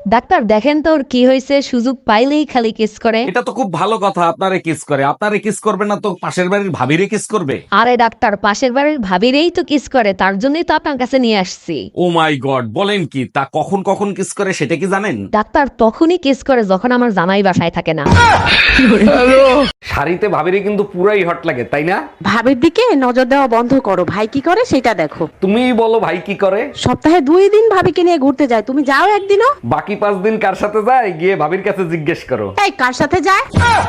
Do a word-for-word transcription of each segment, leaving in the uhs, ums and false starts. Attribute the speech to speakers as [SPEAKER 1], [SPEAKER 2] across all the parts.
[SPEAKER 1] Doctor দেখেন তো ওর কি হয়েছে, সুযোগ পাইলেই খালি কিস করে।
[SPEAKER 2] এটা তো খুব ভালো কথা, আপনারে কিস করে। আপনারে কিস করবে না তো পাশের বাড়ির ভাবিরে কিস করবে?
[SPEAKER 1] আরে ডাক্তার, পাশের বাড়ির ভাবিরেই তো কিস করে, তার জন্যই তো আপনার কাছে নিয়ে আসছি।
[SPEAKER 2] ও মাই গড, বলেন কি? তা কখন কখন কিস করে সেটা কি জানেন?
[SPEAKER 1] ডাক্তার তখনই কিস করে যখন আমার জামাই বাসায় থাকে না।
[SPEAKER 2] শাড়িতে ভাবিরে কিন্তু পুরাই হট লাগে, তাই না?
[SPEAKER 3] ভাবির দিকে নজর দেওয়া বন্ধ করো, ভাই কি করে সেটা দেখো।
[SPEAKER 2] তুমিই বলো ভাই কি করে।
[SPEAKER 3] সপ্তাহে দুই দিন ভাবিকে নিয়ে ঘুরতে যায়, তুমি যাও একদিনও?
[SPEAKER 2] বাকি পাঁচ দিন কার সাথে যায় গিয়ে ভাবির কাছে জিজ্ঞেস করো।
[SPEAKER 3] এই কার সাথে যায়?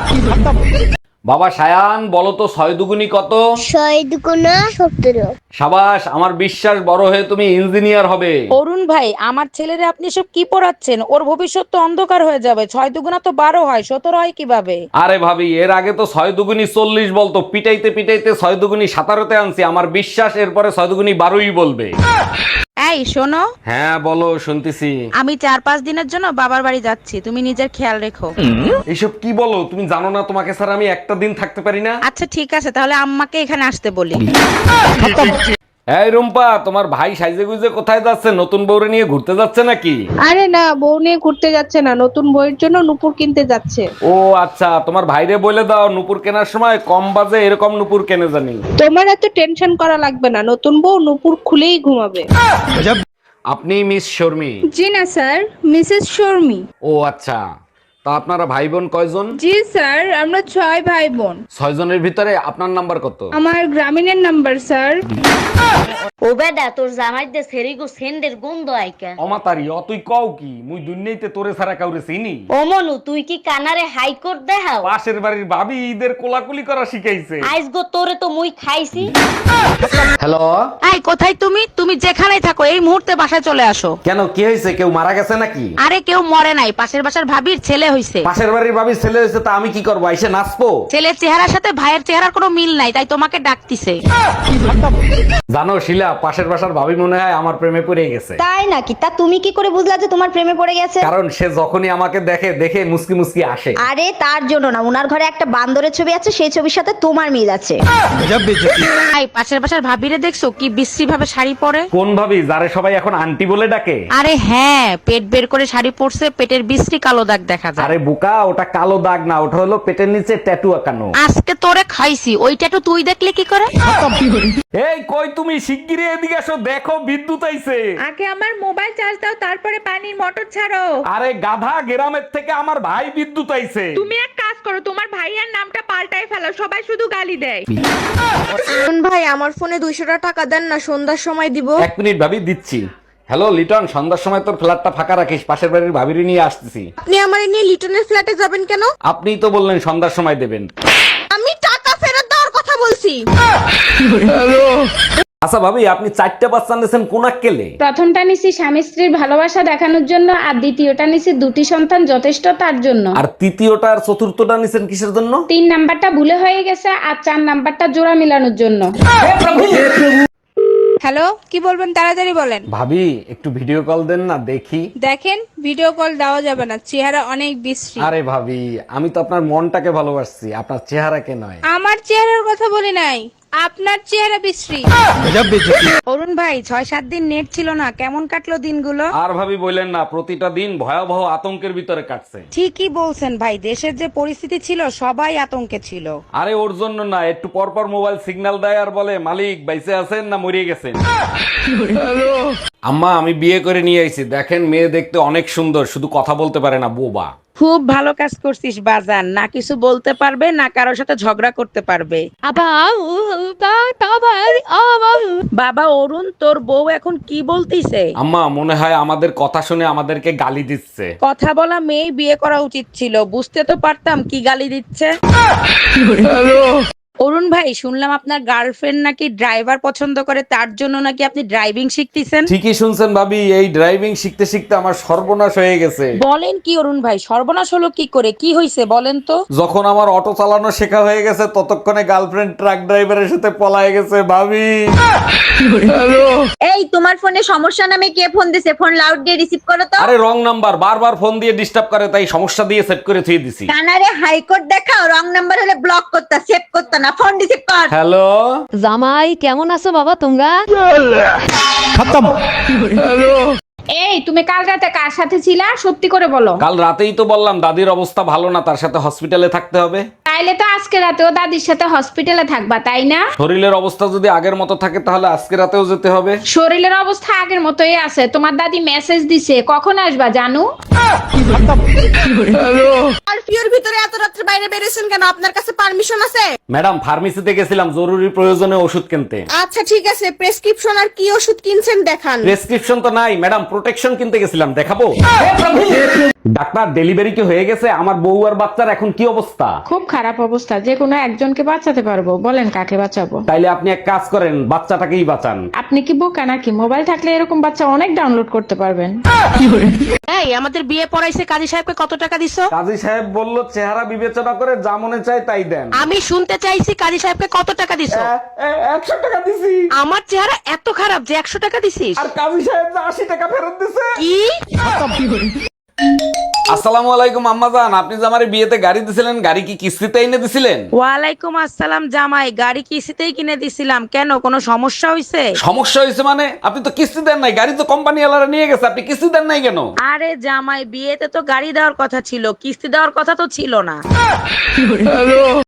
[SPEAKER 2] বাবা সায়ান, বলো তো ছয় দুগুনি কত?
[SPEAKER 4] ছয় দুগুণা সতেরো।
[SPEAKER 2] সাবাস, আমার বিশ্বাস বড় হয়ে তুমি ইঞ্জিনিয়ার হবে।
[SPEAKER 5] অরুণ ভাই, আমার ছেলেরে আপনি সব কি পড়াচ্ছেন? ওর ভবিষ্যৎ তো অন্ধকার হয়ে যাবে। ছয় দুগুণা তো বারো হয়, সতেরো হয় কিভাবে?
[SPEAKER 2] আরে ভাবি, এর আগে তো ছয় দুগুনি চল্লিশ বলতো, পিটাইতে পিটাইতে ছয় দুগুনি সাতারোতে আনছি। আমার বিশ্বাস এরপরে ছয় দুগুনি বারোই বলবে।
[SPEAKER 5] এই শোনো,
[SPEAKER 2] হ্যাঁ বলো, শুনতেছি।
[SPEAKER 5] আমি চার পাঁচ দিনের জন্য বাবার বাড়ি যাচ্ছি, তুমি নিজের খেয়াল রেখো।
[SPEAKER 2] এইসব কি বলো তুমি? জানো না তোমাকে ছাড়া আমি একটা দিন থাকতে পারি না?
[SPEAKER 5] আচ্ছা ঠিক আছে, তাহলে আম্মাকে এখানে আসতে বলি।
[SPEAKER 2] এই রুম্পা, তোমার ভাই সাইজে গুইজে কোথায় যাচ্ছে? নতুন বউরে নিয়ে ঘুরতে যাচ্ছে নাকি?
[SPEAKER 6] আরে না, বউ নিয়ে ঘুরতে যাচ্ছে না, নতুন বইয়ের জন্য নুপুর কিনতে যাচ্ছে।
[SPEAKER 2] ও আচ্ছা, তোমার ভাইরে বলে দাও নুপুর কেনার সময় কম বাজে এরকম নুপুর কেনে জানি।
[SPEAKER 6] তোমার এত টেনশন করা লাগবে না, নতুন বউ নুপুর খুলেই ঘুমাবে।
[SPEAKER 2] আপনি মিস শর্মি?
[SPEAKER 7] জি না স্যার, মিসেস শর্মি।
[SPEAKER 2] ও আচ্ছা, তা আপনারা ভাই বোন কয়জন?
[SPEAKER 7] জি স্যার, আমরা ছয় ভাই বোন।
[SPEAKER 2] ছয় জনের ভিতরে আপনার নাম্বার কত?
[SPEAKER 7] আমার গ্রামীণের নাম্বার স্যার।
[SPEAKER 4] ও বেডা, তোর জামাই দে সেরিগো সেন্ডের গন্ধ আইকা।
[SPEAKER 2] অমাতারি অ তুই কও কি? মুই দুনিয়াইতে তোরে ছাড়া কাউরে চিনি?
[SPEAKER 4] ও মনু, তুই কি কানারে হাইকোর্ট দেখাও?
[SPEAKER 2] পাশের বাড়ির ভাবি ঈদের কোলাকুলি করা শিখাইছে।
[SPEAKER 4] আইস গো তোরে তো মুই খাইছি।
[SPEAKER 2] হ্যালো,
[SPEAKER 5] এই কোথায় তুমি? তুমি যেখানেই থাকো এই মুহূর্তে বাসায় চলে আসো।
[SPEAKER 2] কেন কি হয়েছে? কেউ মারা গেছে নাকি?
[SPEAKER 5] আরে কেউ মরে নাই, পাশের বাসার ভাবির ছেলে হইছে।
[SPEAKER 2] পাশের বাড়ির ভাবির ছেলে হয়েছে, তা আমি কি করবো? এসে নাচবো?
[SPEAKER 5] ছেলের চেহারার সাথে ভাইয়ের চেহারার কোনো মিল নাই, তাই তোমাকে ডাকতিছে।
[SPEAKER 2] জানো শিলা, পাশের বাসার ভাবি মনে হয় আমার প্রেমে পড়ে গেছে।
[SPEAKER 4] তাই নাকি? তা তুমি কি করে বুঝলা যে তোমার প্রেমে পড়ে গেছে?
[SPEAKER 2] কারণ সে যখনই আমাকে দেখে দেখে মুসকি মুসকি আসে।
[SPEAKER 4] আরে তার জন্য না, উনার ঘরে একটা বান্দরের ছবি আছে, সেই ছবির সাথে তোমার মিল আছে।
[SPEAKER 5] এই পাশের বাসার ভাবিরে দেখছো কি বিশ্রী ভাবে শাড়ি পরে?
[SPEAKER 2] কোন ভাবি যারে সবাই এখন আন্টি বলে ডাকে?
[SPEAKER 5] আরে হ্যাঁ, পেট বের করে শাড়ি পরছে, পেটের বিশ্রী কালো দাগ দেখা যায়।
[SPEAKER 2] আরে বুকা, ওটা কালো দাগ না, ওটা হলো পেটের নিচে ট্যাটু আঁকানো।
[SPEAKER 5] আজকে তোরে খাইছি, ওইটা তো তুই দেখলে কি করে?
[SPEAKER 2] এই কই তুমি? শিগগিরই এদিকে আসো, দেখো বিদ্যুৎ আইছে।
[SPEAKER 7] আগে আমার মোবাইল চার্জ দাও, তারপরে পানির মোটর ছাড়ো।
[SPEAKER 2] আরে গাধা, গ্রামের থেকে আমার ভাই বিদ্যুৎ আইছে।
[SPEAKER 7] তুমি এক কাজ করো, তোমার ভাইয়ার নামটা পাল্টাই ফেলো, সবাই শুধু গালি দেয়।
[SPEAKER 6] ভাই, আমার ফোনে দুইশো টাকা দেন না, সন্ধ্যার সময় দিব।
[SPEAKER 2] এক মিনিট ভাবি, দিচ্ছি। হ্যালো লিটন, সন্ধ্যার সময় তোর ফ্ল্যাটটা ফাঁকা রাখিস, পাশের বাড়ির ভাবিরি নিয়ে আসতেছি।
[SPEAKER 6] আপনি আমার নিয়ে লিটনের ফ্ল্যাটে যাবেন কেন?
[SPEAKER 2] আপনিই তো বললেন সন্ধ্যার সময় দেবেন।
[SPEAKER 6] আমি টাকা ফেরত দেওয়ার কথা বলছি।
[SPEAKER 2] আচ্ছা ভাবি, আপনি চারটা বাচ্চা নিয়েছেন কোন আক্কেলে?
[SPEAKER 7] প্রথমটা নিছি স্বামী স্ত্রীর ভালোবাসা দেখানোর জন্য, আর দ্বিতীয়টা নিছি দুটি সন্তান যথেষ্ট তার জন্য।
[SPEAKER 2] আর তৃতীয়টা আর চতুর্থটা নিছেন কিসের জন্য?
[SPEAKER 7] তিন নাম্বারটা ভুলে হয়ে গেছে, আর চার নাম্বারটা জোড়া মিলানোর জন্য। হ্যালো, কি বলবেন তাড়াতাড়ি বলেন।
[SPEAKER 2] ভাবি একটু ভিডিও কল দেন না, দেখি।
[SPEAKER 7] দেখেন, ভিডিও কল দেওয়া যাবে না, চেহারা অনেক বিশ্রী।
[SPEAKER 2] আরে ভাবি, আমি তো আপনার মনটাকে ভালোবাসছি, আপনার চেহারাকে নয়।
[SPEAKER 7] আমার চেহারার কথা বলি নাই, আপনার চেহারা বিশ্রী।
[SPEAKER 5] অরুণ ভাই, ছয় সাত দিন নেট ছিল না, কেমন কাটলো দিনগুলো?
[SPEAKER 2] আর ভাবি বললেন না, প্রতিটা দিন ভয়াবহ আতঙ্কের ভিতরে কাটছে।
[SPEAKER 5] ঠিকই বলছেন ভাই, দেশের যে পরিস্থিতি ছিল সবাই আতঙ্কে ছিল।
[SPEAKER 2] আরে ওর জন্য না, একটু পর পর মোবাইল সিগন্যাল দেয় আর বলে মালিক বাইসে আছেন না মরিয়ে গেছেন। আম্মা, আমি বিয়ে করে নিয়ে আইছি, দেখেন মেয়ে দেখতে অনেক সুন্দর, শুধু কথা বলতে পারে না, বোবা।
[SPEAKER 5] খুব ভালো কাজ করছিস বাজান, না কিছু বলতে পারবে না কারোর সাথে ঝগড়া করতে পারবে। বাবা অরুণ, তোর বউ এখন কি বলতিছে?
[SPEAKER 2] আম্মা, মনে হয় আমাদের কথা শুনে আমাদেরকে গালি দিচ্ছে।
[SPEAKER 5] কথা বলা মেয়ে বিয়ে করা উচিত ছিল, বুঝতে তো পারতাম কি গালি দিচ্ছে। অরুণ ভাই, শুনলাম আপনার গার্লফ্রেন্ড নাকি ড্রাইভার পছন্দ করে, তার জন্য নাকি আপনি ড্রাইভিং শিখতেছেন।
[SPEAKER 2] ঠিকই শুনছেন ভাবি, এই ড্রাইভিং শিখতে শিখতে আমার সর্বনাশ হয়ে গেছে।
[SPEAKER 5] বলেন কি অরুণ ভাই, সর্বনাশ হলো কি করে? কি হয়েছে বলেন তো?
[SPEAKER 2] যখন আমার অটো চালানো শেখা হয়ে গেছে, ততক্ষণে গার্লফ্রেন্ড ট্রাক ড্রাইভারের সাথে পলায় গেছে ভাবি।
[SPEAKER 4] এই তোমার ফোনে সমস্যা নামে কে ফোন দিছে? ফোন লাউড দিয়ে রিসিভ করো তো।
[SPEAKER 2] আরে রং নাম্বার, বারবার ফোন দিয়ে ডিস্টার্ব করে, তাই সমস্যা দিয়ে সেট করে থুয়ে দিছি।
[SPEAKER 4] কানারে হাইকোর্ট দেখাও, রং নাম্বার হলে ব্লক করতা, সেভ করতা না, ফোন রিসিভ কর।
[SPEAKER 2] হ্যালো
[SPEAKER 1] জামাই কেমন আছো বাবা তোমরা?
[SPEAKER 7] এই তুমি কাল রাতে কার সাথে ছিলা সত্যি করে বলো।
[SPEAKER 2] কাল রাতেই তো বললাম দাদির অবস্থা ভালো না, তার সাথে হসপিটালে থাকতে হবে।
[SPEAKER 7] তাইলে তো আজকে রাতেও দাদির সাথে হসপিটালে থাকবা, তাই না?
[SPEAKER 2] শরীরের অবস্থা যদি আগের মতো থাকে তাহলে আজকে রাতেও যেতে হবে।
[SPEAKER 7] শরীরের অবস্থা আগের মতোই আছে। তোমার দাদি মেসেজ দিছে, কখন আসবা জানু?
[SPEAKER 6] কারফিউর ভিতরে এত রাত্রে বাইরে বেরিয়েছেন কেন? আপনার কাছে পারমিশন আছে?
[SPEAKER 2] ম্যাডাম ফার্মেসিতে গেছিলাম জরুরি প্রয়োজনে ওষুধ কিনতে।
[SPEAKER 6] আচ্ছা ঠিক আছে, প্রেসক্রিপশন আর কি ওষুধ কিনছেন দেখান।
[SPEAKER 2] প্রেসক্রিপশন তো নাই ম্যাডাম, প্রোটেকশন কিনতে গেছিলাম, দেখাবো? ডাক্তার ডেলিভারি কি হয়ে গেছে? আমার বউ আর বাচ্চার এখন কি অবস্থা?
[SPEAKER 8] খুব খারাপ অবস্থা, যে কোনো একজনকে বাঁচাতে পারবো, বলেন কাকে বাঁচাবো?
[SPEAKER 2] তাইলে আপনি এক কাজ করেন, বাচ্চাটাকেই বাঁচান।
[SPEAKER 8] আপনি কি বোকা নাকি? মোবাইল থাকলে এরকম বাচ্চা অনেক ডাউনলোড করতে পারবেন।
[SPEAKER 3] এই আমাদের বিয়ে পড়াইছে কাজী সাহেবকে কত টাকা দিছো?
[SPEAKER 2] কাজী সাহেব বলল চেহারা বিবেচনা করে যা মনে চায় তাই দেন।
[SPEAKER 3] আমি শুনতে চাইছি কাজী সাহেবকে কত টাকা দিছো?
[SPEAKER 2] একশো টাকা দিছি।
[SPEAKER 3] আমার চেহারা এত খারাপ যে একশো টাকা দিছিস?
[SPEAKER 2] আর কাজী সাহেব যে আশি টাকা ফেরত দিছে।
[SPEAKER 3] কি?
[SPEAKER 2] আসসালামু আলাইকুম আম্মাজান, আপনি যে আমার বিয়েতে গাড়ি দিছিলেন, গাড়ি কি কিস্তিতে এনে দিছিলেন?
[SPEAKER 5] ওয়ালাইকুম আসসালাম জামাই, গাড়ি কিস্তিতেই কিনে দিছিলাম। কেন, কোনো সমস্যা হয়েছে?
[SPEAKER 2] সমস্যা হয়েছে মানে? আপনি তো কিস্তি দেন নাই, গাড়ি তো কোম্পানি ওয়ালারা নিয়ে গেছে, আপনি কিস্তি দেন নাই কেন?
[SPEAKER 5] আরে জামাই, বিয়েতে তো গাড়ি দেওয়ার কথা ছিল, কিস্তি দেওয়ার কথা তো ছিল না।